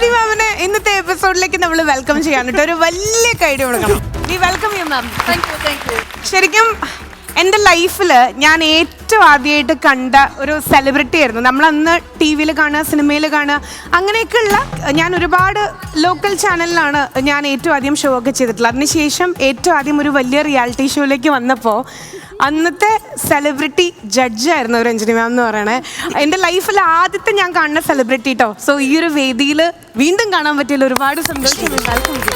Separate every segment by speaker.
Speaker 1: രഞ്ജിനി മാമിനെ ഇന്നത്തെ എപ്പിസോഡിലേക്ക് നമ്മൾ വെൽക്കം ചെയ്യാൻ ഒരു വലിയ കൈഡി കൊടുക്കണം. We welcome you ma'am. ശരിക്കും എൻ്റെ ലൈഫിൽ ഞാൻ ഏറ്റവും ആദ്യമായിട്ട് കണ്ട ഒരു സെലിബ്രിറ്റി ആയിരുന്നു. നമ്മളന്ന് ടി വിയിൽ കാണുക, സിനിമയിൽ കാണുക, അങ്ങനെയൊക്കെയുള്ള ഞാൻ ഒരുപാട് ലോക്കൽ ചാനലിലാണ് ഞാൻ ഏറ്റവും ആദ്യം ഷോ ഒക്കെ ചെയ്തിട്ടുള്ളത്. അതിനുശേഷം ഏറ്റവും ആദ്യം ഒരു വലിയ റിയാലിറ്റി ഷോയിലേക്ക് വന്നപ്പോൾ അന്നത്തെ സെലിബ്രിറ്റി ജഡ്ജായിരുന്നു രഞ്ജിനി മാം എന്ന് പറയണേ. എൻ്റെ ലൈഫിൽ ആദ്യത്തെ ഞാൻ കാണുന്ന സെലിബ്രിറ്റി കേട്ടോ. സോ ഈ ഒരു വേദിയിൽ വീണ്ടും കാണാൻ പറ്റിയതിൽ ഒരുപാട് സന്തോഷമുണ്ട്.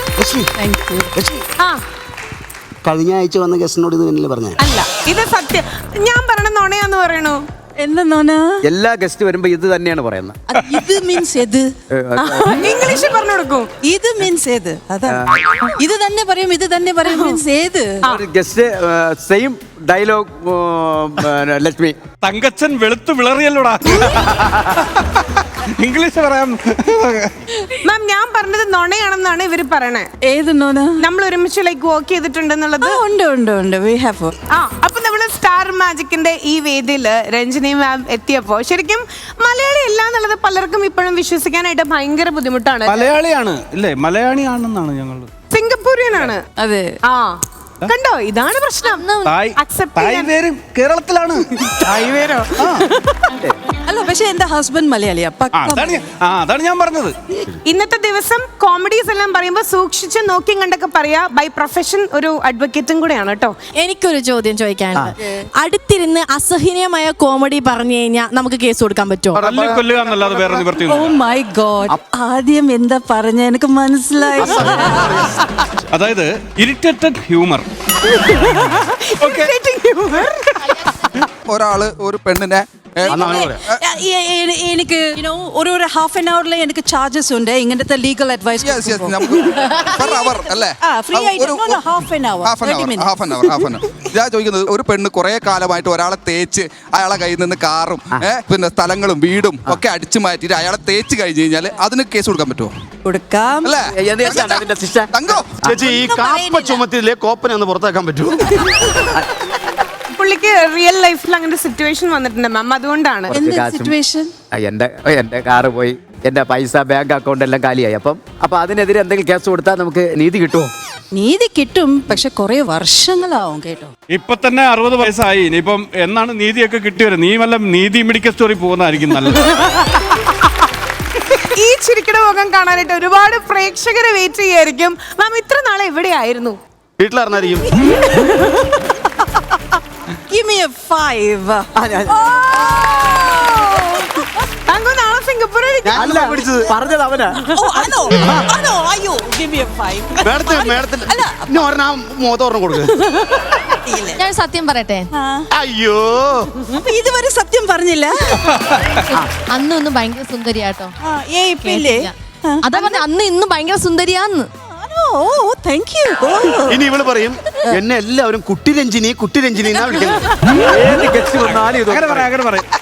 Speaker 1: ആ,
Speaker 2: കഴിഞ്ഞ ആഴ്ച വന്ന ഗസ്റ്റിനോട് ഇത് തന്നെയല്ലേ പറഞ്ഞേ?
Speaker 1: അല്ല, ഇത് സത്യം. ഞാൻ പറയണ നുണയാന്ന് പറയണു.
Speaker 3: എല്ലാ ഗസ്റ്റ് വരുമ്പോ ഇത് തന്നെയാണ് പറയുന്നത്.
Speaker 4: ഇത് മീൻസ് ഏത്?
Speaker 1: ഇംഗ്ലീഷ് പറഞ്ഞു കൊടുക്കും.
Speaker 4: ഇത് മീൻസ് ഏത്? അതാ ഇത് തന്നെ പറയും, ഇത് തന്നെ പറയും മീൻസ് ഏത്?
Speaker 3: Guest same dialogue. Lakshmi
Speaker 5: Thankachan വെളുത്തു വിളറിയല്ലോടാ. ഇംഗ്ലീഷ് പറയാം.
Speaker 1: മാം, ഞാൻ പറഞ്ഞത് നുണയാണെന്നാണ് ഇവര് പറയണേ.
Speaker 4: ഏത് നോന?
Speaker 1: നമ്മൾ ഒരുമിച്ച് ലൈക്ക് വർക്ക് ചെയ്തിട്ടുണ്ടെന്നുള്ളത്.
Speaker 4: ഉണ്ട് ഉണ്ട് ഉണ്ട്. We have.
Speaker 1: അപ്പൊ നമ്മള് സ്റ്റാർ മാജിക്കിന്റെ ഈ വേദിയില് രഞ്ജിനി മാം എത്തിയപ്പോ ശരിക്കും മലയാളി അല്ല എന്നുള്ളത് പലർക്കും ഇപ്പോഴും വിശ്വസിക്കാനായിട്ട് ഭയങ്കര ബുദ്ധിമുട്ടാണ്.
Speaker 5: മലയാളിയാണ് ഇല്ലേ? മലയാളിയാണെന്നാണ് ഞങ്ങൾ.
Speaker 1: സിംഗപ്പൂരിയനാണ്.
Speaker 4: അതെ.
Speaker 1: ആ, കണ്ടോ, ഇതാണ് പ്രശ്നം.
Speaker 5: പേരും കേരളത്തിലാണ്.
Speaker 4: അല്ല, പക്ഷെ എന്റെ ഹസ്ബൻഡ് മലയാളിയാ.
Speaker 5: അതാണ് ഞാൻ പറഞ്ഞത്.
Speaker 1: ഇന്നത്തെ ദിവസം കോമഡീസ് എല്ലാം പറയുമ്പോ സൂക്ഷിച്ച് നോക്കി കണ്ടൊക്കെ പറയാ. ബൈ പ്രൊഫഷൻ ഒരു അഡ്വക്കേറ്റും കൂടെയാണ് കേട്ടോ.
Speaker 6: എനിക്കൊരു ചോദ്യം ചോദിക്കാനുണ്ട്. അടുത്തിരുന്ന് അസഹനീയമായ കോമഡി പറഞ്ഞു കഴിഞ്ഞാൽ നമുക്ക് കേസ് കൊടുക്കാൻ പറ്റുമോ?
Speaker 5: കൊല്ലുക എന്നല്ലാതെ വേറെ നിവൃത്തി.
Speaker 4: ഓ മൈ ഗോഡ്, ആദ്യം എന്താ പറഞ്ഞ എനിക്ക് മനസ്സിലായി.
Speaker 5: അതായത് ഇറിറ്റേറ്റഡ് ഹ്യൂമർ.
Speaker 7: ഒരാള് ഒരു പെണ്ണിനെ
Speaker 4: എനിക്ക് ഒരു ഹാഫ് ആൻ അവറിൽ എനിക്ക് ചാർജസ് ഉണ്ട് ഇങ്ങനത്തെ ലീഗൽ അഡ്വൈസ്.
Speaker 7: ഞാൻ ചോദിക്കുന്നത്, ഒരു പെണ്ണ് കുറെ കാലമായിട്ട് ഒരാളെ തേച്ച് അയാളെ കയ്യിൽ നിന്ന് കാറും പിന്നെ സ്ഥലങ്ങളും വീടും ഒക്കെ അടിച്ചു മാറ്റിട്ട് അയാളെ തേച്ച് കഴിഞ്ഞ് കഴിഞ്ഞാൽ അതിന് കേസ് കൊടുക്കാൻ പറ്റുമോ?
Speaker 4: കൊടുക്കാം.
Speaker 2: ചേച്ചി, ഈ കാപ്പ ചുമത്തിലെ കോപ്പനെ ഒന്ന് പുറത്താക്കാൻ പറ്റുമോ?
Speaker 1: പുള്ളിക്ക് റിയൽ ലൈഫിൽ അങ്ങനെ സിറ്റുവേഷൻ വന്നിട്ടുണ്ട് മാം, അതുകൊണ്ടാണ്.
Speaker 3: എന്റെ കാറ് പോയി, എന്റെ പൈസ ബാങ്ക് അക്കൗണ്ട് എല്ലാം കാലിയായി. അപ്പൊ അതിനെതിരെ എന്തെങ്കിലും കേസ് കൊടുത്താൽ നമുക്ക് നീതി കിട്ടുമോ?
Speaker 4: നീതി കിട്ടും, പക്ഷെ കുറെ വർഷങ്ങളാവും കേട്ടോ.
Speaker 5: ഇപ്പൊ തന്നെ 60 വയസ്സായി. ഇനിയിപ്പം എന്നാണ് നീതിയൊക്കെ കിട്ടിയത്? നീ വല്ല നീതി മെഡിക്കൽ സ്റ്റോറി പോകുന്നതായിരിക്കും നല്ലത്.
Speaker 1: ഈ ചിരിക്കട മുഖം കാണാനായിട്ട് ഒരുപാട് പ്രേക്ഷകരെ വെയിറ്റ് ചെയ്യായിരിക്കും. മാം, ഇത്ര നാളെ എവിടെയായിരുന്നു?
Speaker 2: വീട്ടിലിറങ്ങായിരിക്കും.
Speaker 4: Give me a 5.
Speaker 1: താങ്കൾ നാളെ സിംഗപ്പൂരിൽ
Speaker 2: പറഞ്ഞത് അവനാ.
Speaker 4: അയ്യോ, give me a 5.
Speaker 2: മോതോർണം കൊടുക്കുക.
Speaker 6: ഞാൻ സത്യം പറയട്ടെ,
Speaker 2: അയ്യോ,
Speaker 4: ഇതുവരെ സത്യം പറഞ്ഞില്ല.
Speaker 6: അന്നൊന്നും ഭയങ്കര സുന്ദരിയാട്ടോ.
Speaker 4: അതാ
Speaker 6: പറഞ്ഞ അന്ന് ഇന്നും ഭയങ്കര സുന്ദരിയാന്ന്.
Speaker 4: Thank you.
Speaker 2: ഇനി ഇവള് പറയും എന്നെ എല്ലാവരും കുട്ടി രഞ്ജിനി എന്നാ വിളിക്കുന്നത്.
Speaker 5: അങ്ങനെ പറയാം.